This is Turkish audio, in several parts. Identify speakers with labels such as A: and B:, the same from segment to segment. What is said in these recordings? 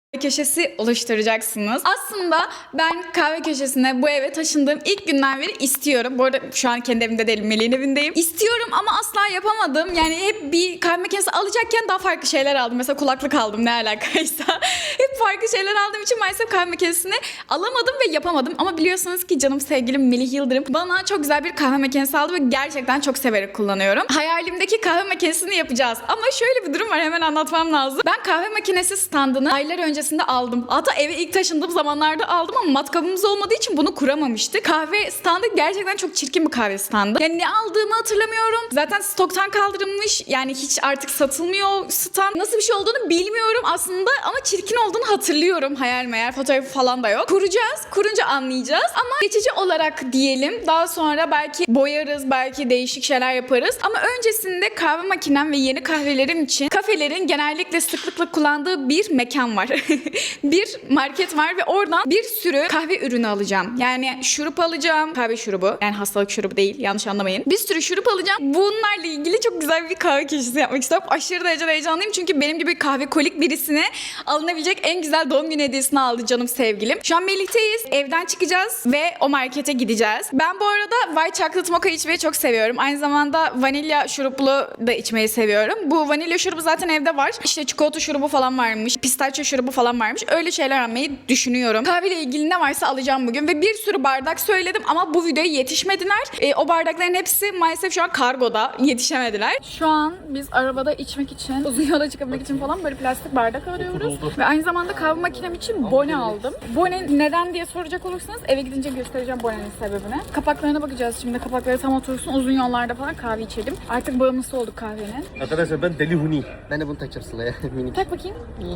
A: köşesi oluşturacaksınız. Aslında ben kahve köşesine bu eve taşındığım ilk günden beri istiyorum. Bu arada şu an kendi evimde değilim, Melih'in evindeyim. İstiyorum ama asla yapamadım. Yani hep bir kahve makinesi alacakken daha farklı şeyler aldım. Mesela kulaklık aldım, ne alakaysa. Hep farklı şeyler aldığım için maalesef kahve makinesini alamadım ve yapamadım. Ama biliyorsunuz ki canım sevgilim Melih Yıldırım bana çok güzel bir kahve makinesi aldı ve gerçekten çok severek kullanıyorum. Hayalimdeki kahve makinesini yapacağız. Ama şöyle bir durum var, hemen anlatmam lazım. Ben kahve makinesi standını aylar öncesinde aldım. Hatta eve ilk taşındığım zamanlarda aldım ama matkabımız olmadığı için bunu kuramamıştık. Kahve standı gerçekten çok çirkin bir kahve standı. Yani ne aldığımı hatırlamıyorum. Zaten stoktan kaldırılmış. Yani hiç artık satılmıyor stand. Nasıl bir şey olduğunu bilmiyorum aslında ama çirkin olduğunu hatırlıyorum. Hayal meyal fotoğrafı falan da yok. Kuracağız. Kurunca anlayacağız. Ama geçici olarak diyelim. Daha sonra belki boyarız, belki değişik şeyler yaparız. Ama öncesinde kahve makinem ve yeni kahvelerim için kafelerin genellikle sıklıkla kullandığı bir mekan var. Bir market var ve oradan bir sürü kahve ürünü alacağım. Yani şurup alacağım. Kahve şurubu. Yani hastalık şurubu değil. Yanlış anlamayın. Bir sürü şurup alacağım. Bunlarla ilgili çok güzel bir kahve köşesi yapmak istiyorum. Aşırı derecede heyecanlıyım. Çünkü benim gibi kahve kolik birisine alınabilecek en güzel doğum günü hediyesini aldı canım sevgilim. Şu an Melih'teyiz. Evden çıkacağız ve o markete gideceğiz. Ben bu arada white chocolate mocha içmeyi çok seviyorum. Aynı zamanda vanilya şuruplu da içmeyi seviyorum. Bu vanilya şurubu zaten evde var. İşte çikolata şurubu falan varmış. Pistachio şurubu falan varmış. Öyle şeyler almayı düşünüyorum. Kahveyle ilgili ne varsa alacağım bugün ve bir sürü bardak söyledim ama bu videoya yetişmediler. O bardakların hepsi maalesef şu an kargoda. Yetişemediler. Şu an biz arabada içmek için, uzun yola çıkabilmek için falan böyle plastik bardak arıyoruz. Ve aynı zamanda kahve makinem için bone aldım. Bone neden diye soracak olursanız eve gidince göstereceğim bonenin sebebini. Kapaklarına bakacağız şimdi. Kapakları tam otursun. Uzun yollarda falan kahve içelim. Artık bağımlısı olduk kahvenin.
B: Arkadaşlar ben deli huni. Ben de bunu takacağım Sıla'ya. Minik.
A: Tak bakayım.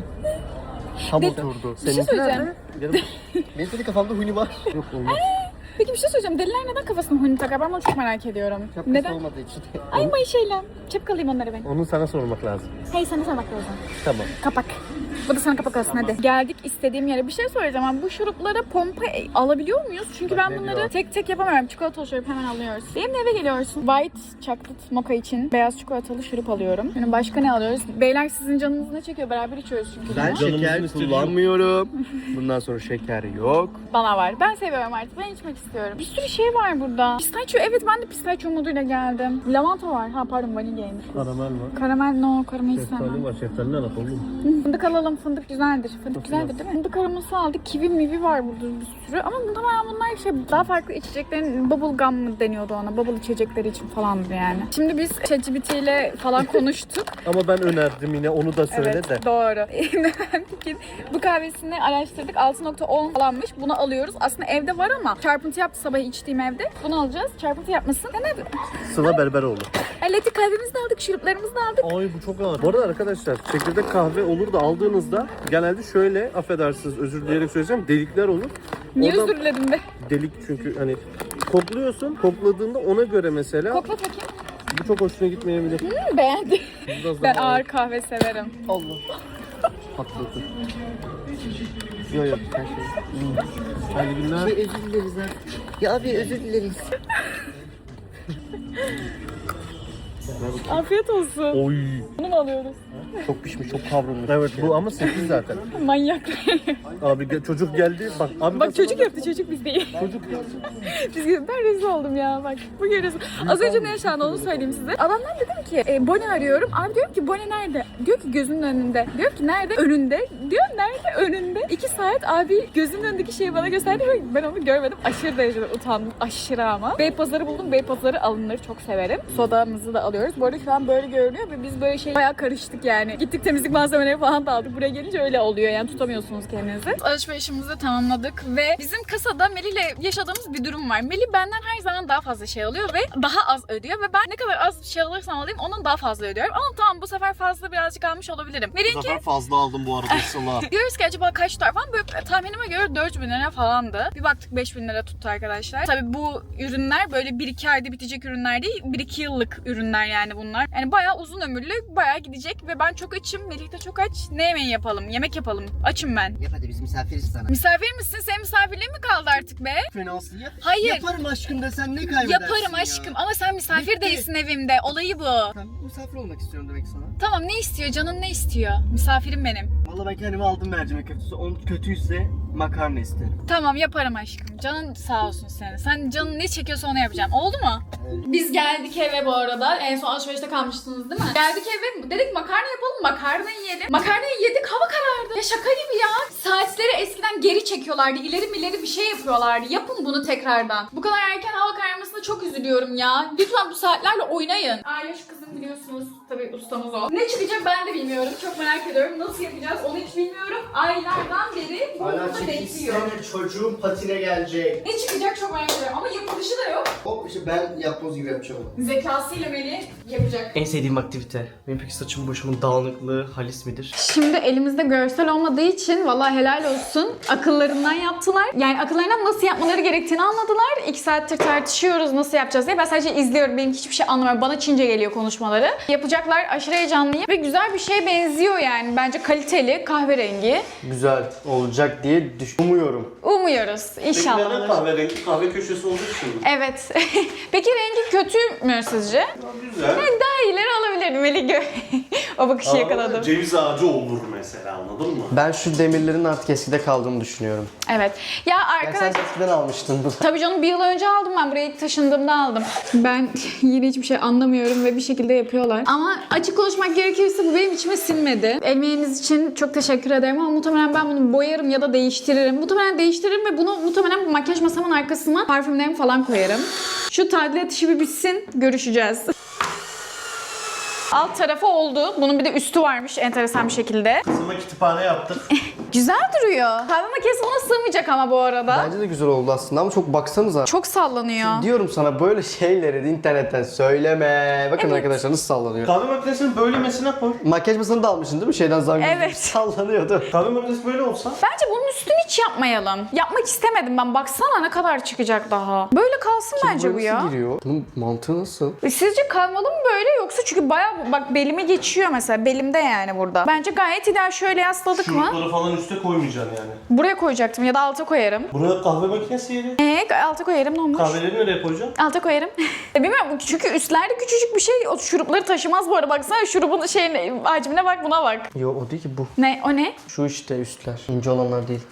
B: Tam oturdu.
A: Bir şey söyleyeceğim.
B: Benim de kafamda huni var. Yok olmaz.
A: Peki bir şey söyleyeceğim. Deliler neden kafasına huni takar? Ben bunu çok merak ediyorum.
B: Şapkası
A: Neden?
B: olmadığı için.
A: Ay mayışayla. Çapkalayayım onları ben.
B: Onu sana sormak lazım.
A: Hey sana sormak lazım.
B: Tamam.
A: Kapak. Bu da sana kapak olsun hadi. Geldik istediğim yere. Bir şey söyleyeceğim ama bu şuruplara pompa alabiliyor muyuz? Çünkü ben bunları tek tek yapamıyorum. Çikolatalı şurup hemen alıyoruz. Benimle eve geliyorsun. White chocolate mocha için beyaz çikolatalı şurup alıyorum. Yani başka ne alıyoruz? Beyler sizin canınız ne çekiyor? Beraber içiyoruz çünkü.
B: Ben
A: bunu.
B: şeker kullanmıyorum. Bundan sonra şeker yok.
A: Bana var. Ben seviyorum artık. Ben içmek istiyorum. Bir sürü şey var burada. Pistachio. Evet ben de pistachio moduyla geldim. Lavanta var. Ha pardon vanilyaymış.
B: Karamel var.
A: Karamel no. Karamel hiç sevmem.
B: Şeftali var. Şeftali ne alak oğlum?
A: Fındık alalım. Fındık güzeldir. Fındık güzeldir değil mi? Fındık aroması aldık. Kivi mivi var burada bir sürü. Ama muhtemelen bunlar daha farklı içeceklerin bubble gum mı deniyordu ona? Bubble içecekleri için falandı yani. Şimdi biz ChatGPT ile falan konuştuk.
B: Ama ben önerdim yine onu da söyle
A: Evet,
B: de.
A: doğru. Nefentik'in bu kahvesini araştırdık. 6.10 falanmış. Bunu alıyoruz. Aslında evde var ama çarpıntı yaptı sabah içtiğim evde. Bunu alacağız. Çarpıntı yapmasın. Yani
B: Sıla Berberoğlu.
A: latte kahvemizi de aldık. Şuruplarımızı da aldık.
B: Ay bu çok ağır. Bu arada arkadaşlar çekirdek kahve olur da aldığınızda genelde şöyle affedersiniz özür dileyerek söyleyeceğim delikler olur.
A: Niye
B: Oradan-
A: özür diledim be?
B: Delik çünkü hani kokluyorsun. Kokladığında ona göre mesela
A: Kokla bakayım.
B: bu çok hoşuna gitmeyebilir.
A: Beğendim.
B: Biraz
A: Ben
B: daha
A: ağır kahve severim.
B: Allah. Patladı. Yok yok her şey. Hayırlı günler.
C: Özür dileriz abi. Ya abi özür dileriz.
A: Afiyet olsun.
B: Oy.
A: Bunu mu alıyoruz?
B: Çok pişmiş, çok kavrulmuş. Evet bu ama 8 zaten.
A: Manyaklar.
B: Abi çocuk geldi. Bak abi
A: Bak çocuk yaptı, çocuk biz değil.
B: Çocuk
A: Ben rezil oldum ya bak. Bu görüyorsun. Az önce ne yaşandı onu söyleyeyim size. Adamdan dedim ki Bonnie arıyorum. Abi diyorum ki Bonnie nerede? Diyor ki gözünün önünde. Diyor ki nerede? Önünde. Diyor nerede? Önünde. 2 saat abi gözünün önündeki şeyi bana gösterdi ve ben onu görmedim. Aşırı derecede utandım. Aşırı ama. Beypazarı buldum. Beypazarı alınır. Çok severim. Sodamızı da alıyoruz. Bu arada şu an böyle görünüyor ve biz böyle bayağı karıştık yani. Gittik temizlik malzemeleri falan da aldık. Buraya gelince öyle oluyor yani tutamıyorsunuz kendinizi. Alışverişimizi tamamladık ve bizim kasada Melih'le yaşadığımız bir durum var. Melih benden her zaman daha fazla şey alıyor ve daha az ödüyor ve ben ne kadar az bir şey alırsam alayım onun daha fazla ödüyorum. Ama tamam bu sefer fazla birazcık almış olabilirim. Melih'inki
B: fazla aldım bu arada Sıla.
A: diyoruz ki acaba kaç tutar falan böyle tahminime göre 4.000 lira falandı. Bir baktık 5.000 lira tuttu arkadaşlar. Tabii bu ürünler böyle 1-2 ayda bitecek ürünler değil. 1-2 yıllık ürünler yani bunlar. Yani bayağı uzun ömürlü, bayağı gidecek ve ben çok açım. Melih de çok aç. Ne yemeği yapalım? Yemek yapalım. Açım ben.
C: Yap hadi biz misafiriz sana.
A: Misafir misin? Senin misafirliğin mi kaldı artık be?
C: Fenasın ya.
A: Hayır.
C: Yaparım aşkım desen ne kaybedersin
A: Yaparım
C: ya?
A: aşkım ama sen misafir
C: Bitti.
A: değilsin evimde. Olayı bu.
C: Tamam misafir olmak istiyorum demek sana.
A: Tamam ne istiyor? Canın ne istiyor? Misafirim benim.
C: Valla ben kendime aldım mercimek köftesi. On kötüyse makarna isterim.
A: Tamam yaparım aşkım. Canın sağ olsun senin. Sen canın ne çekiyorsa onu yapacağım. Oldu mu? Evet. Biz geldik eve bu arada. En son alışverişte kalmıştınız değil mi? Geldik eve. Dedik makarna yapalım. Makarna yiyelim. Makarnayı yedik. Hava karardı. Ya şaka gibi ya. Saatleri eskiden geri çekiyorlardı. İleri bir şey yapıyorlardı. Yapın bunu tekrardan. Bu kadar erken hava kararmasına çok üzülüyorum ya. Lütfen bu saatlerle oynayın. Ayla şu kızım biliyorsunuz. Tabii ustamız o. Ne çıkacak ben de bilmiyorum. Çok merak ediyorum. Nasıl yapacağız onu hiç bilmiyorum. Aylardan beri bu
C: Hala
A: burada bekliyor.
C: çocuğun patine gelecek.
A: Ne çıkacak çok merak ediyorum ama yapılışı da yok.
C: Hop işte ben yapboz gibi yapacağım.
A: Zekasıyla Melih yapacak.
D: En sevdiğim aktivite. Benim peki saçım başımın dağınıklığı halis midir?
A: Şimdi elimizde görsel olmadığı için vallahi helal olsun. Akıllarından yaptılar. Yani akıllarından nasıl yapmaları gerektiğini anladılar. 2 saattir tartışıyoruz nasıl yapacağız diye. Ben sadece izliyorum. Benim hiçbir şey anlamıyorum. Bana Çince geliyor konuşmaları. Yapacaklar. Aşırı heyecanlıyım. Ve güzel bir şeye benziyor yani. Bence kaliteli, kahverengi.
D: Güzel olacak diye umuyorum.
A: Umuyoruz. İnşallah
B: Neden
A: olur.
B: kahverengi? Kahve köşesi olduğu için mi?
A: Evet. Peki rengi kötü mü sizce?
B: Güzel.
A: Daha iyileri olabilir Melih. O bakışı yakaladım.
B: Ceviz ağacı olur mesela, anladın mı?
D: Ben şu demirlerin artık eskide kaldığını düşünüyorum.
A: Evet. Ya
D: Yani sen
A: arkadaş...
D: eskiden almıştın bunu.
A: Tabii canım bir yıl önce aldım ben. Buraya ilk taşındığımda aldım. Ben yine hiçbir şey anlamıyorum ve bir şekilde yapıyorlar. Ama açık konuşmak gerekirse bu benim içime sinmedi. Emeğiniz için çok teşekkür ederim ama muhtemelen ben bunu boyarım ya da değiştiririm. Muhtemelen değiştiririm ve bunu muhtemelen makyaj masamın arkasına parfümlerimi falan koyarım. Şu tadilat işi bir bitsin. Görüşeceğiz. Alt tarafı oldu. Bunun bir de üstü varmış enteresan bir şekilde.
B: Kızıma kütüphane yaptık.
A: Güzel duruyor. Kahve makinesi buna sığmayacak ama bu arada.
D: Bence de güzel oldu aslında ama çok baksanıza.
A: Çok sallanıyor.
D: Diyorum sana böyle şeyleri de internetten söyleme. Bakın
A: Evet.
D: arkadaşlar nasıl sallanıyor.
B: Kahve makinesini böylemesine koy.
D: Makyaj masanı da almışsın değil mi? Şeyden zangır
A: Evet.
D: sallanıyordu.
B: Kahve makinesi böyle olsa.
A: Bence bunun üstünü hiç yapmayalım. Yapmak istemedim ben. Baksana ne kadar çıkacak daha. Böyle kalsın bence bu
D: Burası
A: ya.
D: giriyor. Bunun mantığı nasıl?
A: Sizce kalmalı mı böyle yoksa çünkü bayağı bak belime geçiyor mesela. Belimde yani burada. Bence gayet ideal. Şöyle yasladık mı?
B: Şurupları falan üste koymayacaksın yani.
A: Buraya koyacaktım ya da alta koyarım.
B: Buraya kahve makinesi yeri.
A: Alta koyarım ne olmuş?
B: Kahveleri nereye koyacaksın?
A: Alta koyarım. Bilmiyorum çünkü üstlerde küçücük bir şey. O şurupları taşımaz bu arada. Baksana şurubun hacmine bak buna bak.
D: Yo o değil ki bu.
A: Ne o ne?
D: Şu işte üstler. İnce olanlar değil.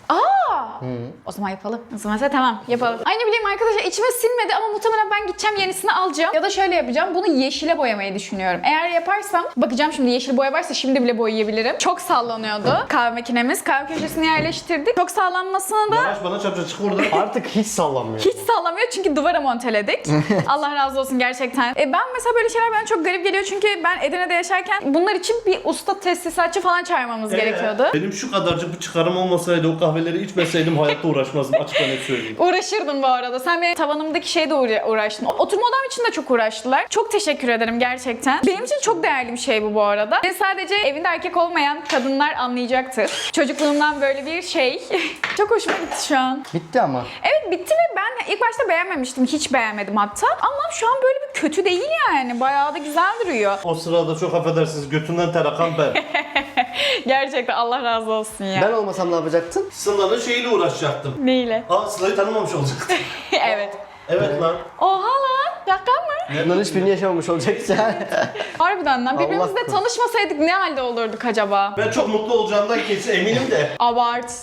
A: O zaman yapalım. O zaman tamam yapalım. Ay ne bileyim arkadaşlar içime sinmedi ama muhtemelen ben gideceğim yenisini alacağım. Ya da şöyle yapacağım. Bunu yeşile boyamayı düşünüyorum. Eğer yaparsam bakacağım şimdi yeşil boya varsa şimdi bile boyayabilirim. Çok sallanıyordu kahve makinemiz. Kahve köşesine yerleştirdik. Çok sallanmasına da
B: Yavaş bana çarpacak, çık oradan.
D: Artık hiç sallanmıyor.
A: hiç sallamıyor çünkü duvara monteledik. Allah razı olsun gerçekten. Ben mesela böyle şeyler bana çok garip geliyor çünkü ben Edirne'de yaşarken bunlar için bir usta tesisatçı falan çağırmamız gerekiyordu.
B: Benim şu kadarcık bir çıkarım olmasaydı, o kahveleri içmeseydim hayatta uğraşmazdım, açık net söyleyeyim.
A: Uğraşırdın bu arada. Sen benim tavanımdaki şeyde uğraştın. Oturma odam için de çok uğraştılar. Çok teşekkür ederim gerçekten. Benim için çok değerli bir şey bu arada. Ve sadece evinde erkek olmayan kadınlar anlayacaktır. Çocukluğumdan böyle bir şey. Çok hoşuma gitti şu an.
D: Bitti ama.
A: Evet bitti ve ben ilk başta beğenmemiştim. Hiç beğenmedim hatta. Ama şu an böyle bir kötü değil yani. Bayağı da güzel duruyor.
B: O sırada çok affedersiniz, götünden ter akan ben.
A: Gerçekten Allah razı olsun ya.
D: Ben olmasam ne yapacaktın?
B: Sıla'nın şeyiyle uğraşacaktım.
A: Neyle?
B: Sıla'yı tanımamış olacaktım.
A: Evet.
B: Evet lan.
A: Oha lan. Şaka mı?
D: Bunların hiçbirini yaşamamış olacaksın.
A: Harbiden lan. Birbirimizle
D: korusun.
A: tanışmasaydık ne halde olurduk acaba?
B: Ben çok mutlu olacağımdan kesin eminim de.
A: Abart.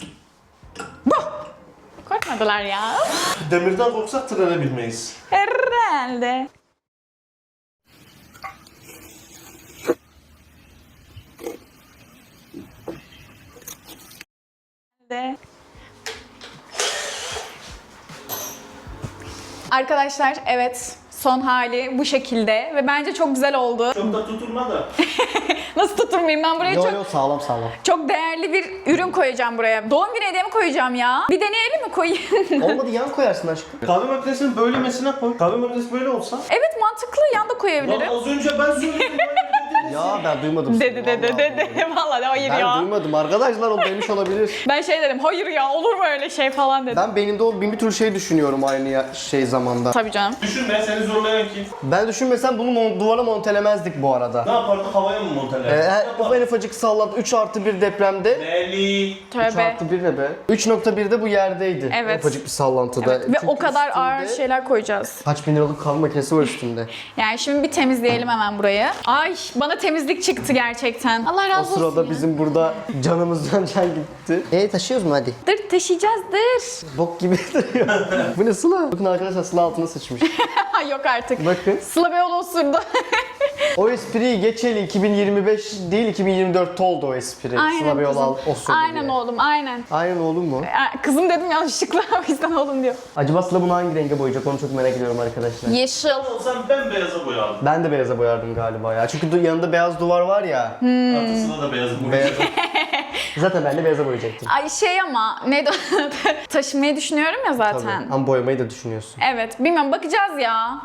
A: Korkmadılar ya.
B: Demirden korksak trene binmeyiz.
A: Herhalde. Arkadaşlar evet son hali bu şekilde ve bence çok güzel oldu.
B: Çok da tutulma da.
A: Nasıl tutturmayayım ben buraya
D: Yo
A: çok
D: yo sağlam sağlam.
A: çok değerli bir ürün koyacağım buraya. Doğum günü hediyemi koyacağım ya. Bir deneyelim mi koyayım?
D: Olmadı yan koyarsın aşkım.
B: Kahve makinesinin böylemesine koy. Kahve makinesi böyle olsa.
A: Evet mantıklı yanda
B: Lan
A: koyabilirim.
B: az önce ben söyledim.
D: Ya ben duymadım.
A: Dedi. Vallahi hayır
D: Ben
A: ya.
D: duymadım. Arkadaşlar o demiş olabilir.
A: Ben şey dedim hayır ya olur mu öyle şey falan dedim.
D: Ben beynimde o bin bir türlü şey düşünüyorum aynı şey zamanda.
A: Tabii canım.
B: Düşünme, seni zorlayan kim?
D: Ben düşünmesem bunu duvara montelemezdik bu arada.
B: Ne yapardık, havaya mı monteler?
D: Bu en ufacık sallantı 3+1 depremde.
B: Deli.
D: 3
A: Tövbe.
D: artı 1 ne be? 3.1'de bu yerdeydi.
A: Evet.
D: Ufacık bir sallantıda.
A: Evet. Ve
D: Çünkü
A: o kadar ağır
D: üstünde
A: şeyler koyacağız.
D: Kaç bin liralık kahve makinesi var üstünde.
A: Yani şimdi bir temizleyelim hemen burayı. Ay bana temizlik çıktı gerçekten. Allah
D: O
A: razı olsun.
D: sırada
A: ya.
D: bizim burada canımızdan can gitti. Taşıyoruz mu hadi?
A: Dır taşıyacağız dır.
D: Bok gibi duruyor. Bu ne Sıla? Bakın arkadaşlar Sıla altına sıçmış.
A: Yok artık.
D: Bakın.
A: Sıla Beyoğlu osurdu.
D: O espriyi geçeli 2025 değil 2024'te oldu o espri.
A: Aynen
D: Sıla Beyoğlu
A: kızım.
D: osurdu
A: Aynen
D: diye.
A: oğlum aynen.
D: Aynen oğlum mu?
A: Kızım dedim yanlışlıkla o yüzden oğlum diyor.
D: Acaba Sıla bunu hangi renge boyayacak onu çok merak ediyorum arkadaşlar.
A: Yeşil.
B: Olsam ben beyaza boyardım.
D: Ben de beyaza boyardım galiba ya. Çünkü yanında beyaz duvar var ya.
B: Artısına da beyazı boyayacağım.
D: Zaten ben de beyaza boyayacaktım.
A: Ay şey ama neydi o adı? Taşımayı düşünüyorum ya
D: Tabii.
A: zaten.
D: Ama boyamayı da düşünüyorsun.
A: Evet bilmiyorum bakacağız ya.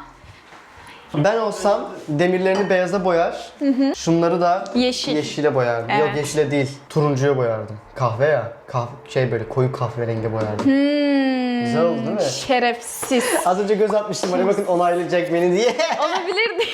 D: Ben olsam demirlerini beyaza boyar. Şunları da
A: Yeşil.
D: yeşile boyardım.
A: Evet.
D: Yok yeşile değil. Turuncuya boyardım. Kahve ya. Şey böyle koyu kahverengi boyardım. Güzel oldu değil mi?
A: Şerefsiz.
D: Az önce göz atmıştım oraya bakın onaylayacak beni diye.
A: Olabilirdi.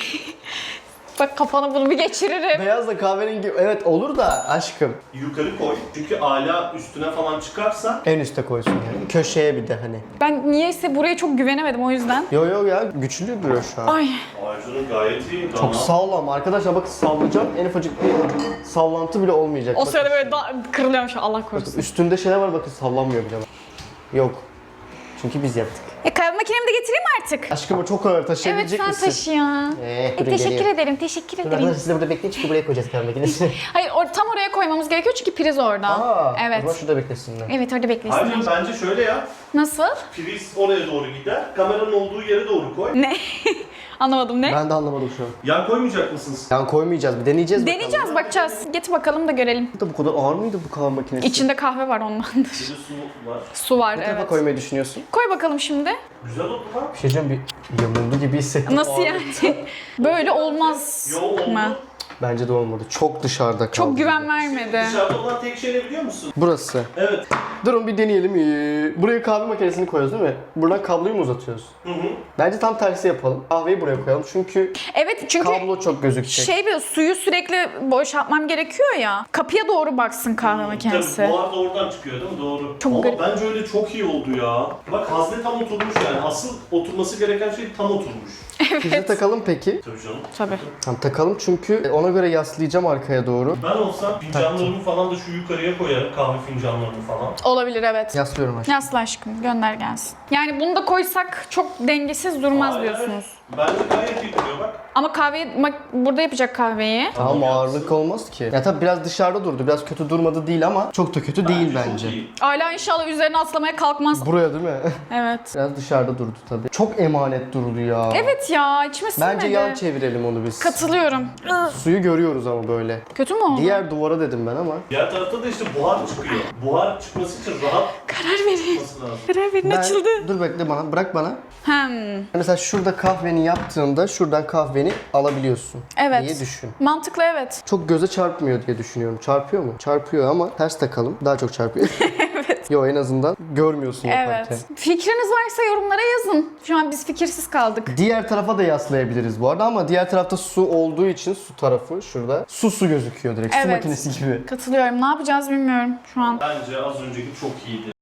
A: Bak kafana bunu bir geçiririm.
D: Beyazla kahverengi evet olur da aşkım.
B: Yukarı koy. Çünkü ala üstüne falan çıkarsa
D: En üste koysun yani. Köşeye bir de hani.
A: Ben niyeyse buraya çok güvenemedim o yüzden.
D: Yo ya güçlü duruyor şu an.
A: Ay.
B: ağacının gayet iyi.
D: Çok sağlam. Arkadaşlar bakın sallayacağım. En ufacık bir sallantı bile olmayacak.
A: O
D: Bakın.
A: sırada böyle kırılıyorum şu an, Allah
D: Bakın
A: korusun.
D: üstünde şeyler var bakın sallanmıyor bile. Yok. Çünkü biz yaptık.
A: Kahve makinemi de getireyim artık.
D: Aşkım o çok ağır
A: Evet
D: taşıyabilecek
A: sen
D: misin?
A: taşı ya.
D: Durun,
A: Teşekkür
D: geliyor.
A: ederim, teşekkür
D: Dur
A: ederim.
D: arkadaşlar siz de burada bekleyin çünkü buraya koyacağız kahve makinesini.
A: Hayır tam oraya koymamız gerekiyor çünkü priz orada.
D: Aa,
A: Evet.
D: O zaman şurada beklesinler.
A: Evet orada beklesin.
B: Hayır bence şöyle ya.
A: Nasıl?
B: Priz oraya doğru gider. Kameranın olduğu yere doğru koy.
A: Ne? Anlamadım ne?
D: Ben de anlamadım şu an.
B: Yan koymayacak mısınız?
D: Yani koymayacağız bir deneyeceğiz bakalım.
A: Deneyeceğiz bakacağız. Getir bakalım da görelim.
D: Bu da bu kadar ağır mıydı bu kahve makinesi?
A: İçinde kahve var ondandır.
B: Bir de su var.
A: Su var
D: Ne tarafa
A: evet.
D: koymayı düşünüyorsun?
A: Koy bakalım şimdi.
B: Güzel oldu lan.
D: Bir şey diyeceğim bir yamuldu gibi hissettim.
A: Nasıl
D: Ağır.
A: yani? Böyle olmaz
B: Yo oldu.
A: mı?
D: Bence de olmadı. Çok dışarıda kaldı.
A: Çok güven vermedi.
B: Dışarıda olan tek şey ne biliyor musun?
D: Burası.
B: Evet.
D: Durun bir deneyelim. Buraya kahve makinesini koyuyoruz değil mi? Buradan kabloyu mu uzatıyoruz?
B: Hı hı.
D: Bence tam tersi yapalım. Kahveyi buraya koyalım çünkü
A: Evet çünkü
D: kablo çok gözükecek.
A: şey bir suyu sürekli boşaltmam gerekiyor ya. Kapıya doğru baksın kahve makinesi.
B: Tabii buhar da oradan çıkıyor değil mi? Doğru.
A: Çok
B: Ama
A: garip.
B: bence öyle çok iyi oldu ya. Bak hazne tam oturmuş yani. Asıl oturması gereken şey tam oturmuş.
D: Biz de takalım peki.
B: Tabii canım.
A: Tabii.
D: Tamam takalım çünkü ona göre yaslayacağım arkaya doğru.
B: Ben olsam fincanlarımı falan da şu yukarıya koyarım. Kahve fincanlarını falan.
A: Olabilir evet.
D: Yaslıyorum aşkım.
A: Yasla aşkım gönder gelsin. Yani bunu da koysak çok dengesiz durmaz
B: Hayır,
A: diyorsunuz.
B: Bence gayet iyi duruyor bak.
A: Ama kahveyi burada yapacak kahveyi.
D: Tamam
B: Tamam,
D: ağırlık
B: yapsın.
D: olmaz ki. Ya tabii biraz dışarıda durdu. Biraz kötü durmadı değil ama çok da kötü değil
B: çok
D: bence.
B: iyi.
A: Hala inşallah üzerine atlamaya kalkmaz.
D: Buraya değil mi?
A: Evet.
D: Biraz dışarıda durdu tabii. Çok emanet durdu ya.
A: Evet ya içime sinmedi.
D: Bence yan çevirelim onu biz.
A: Katılıyorum.
D: Suyu görüyoruz ama böyle.
A: Kötü mü oldu?
D: Diğer duvara dedim ben ama.
B: Diğer tarafta da işte buhar çıkıyor. Buhar çıkması için rahat
A: Karar verin.
B: çıkması lazım.
A: Karar verin açıldı.
D: Dur bekle bana. Bırak bana.
A: Mesela
D: Şurada kahveni yaptığında şuradan kahveni alabiliyorsun.
A: Evet.
D: Diye düşün.
A: Mantıklı evet.
D: Çok göze çarpmıyor diye düşünüyorum. Çarpıyor mu? Çarpıyor ama ters takalım. Daha çok çarpıyor. Evet. Yo en azından görmüyorsun yaparken.
A: Evet. Fikriniz varsa yorumlara yazın. Şu an biz fikirsiz kaldık.
D: Diğer tarafa da yaslayabiliriz bu arada ama diğer tarafta su olduğu için su tarafı şurada. Su gözüküyor direkt. Su
A: Evet.
D: makinesi gibi.
A: Katılıyorum. Ne yapacağız bilmiyorum şu an.
B: Bence az önceki çok iyiydi.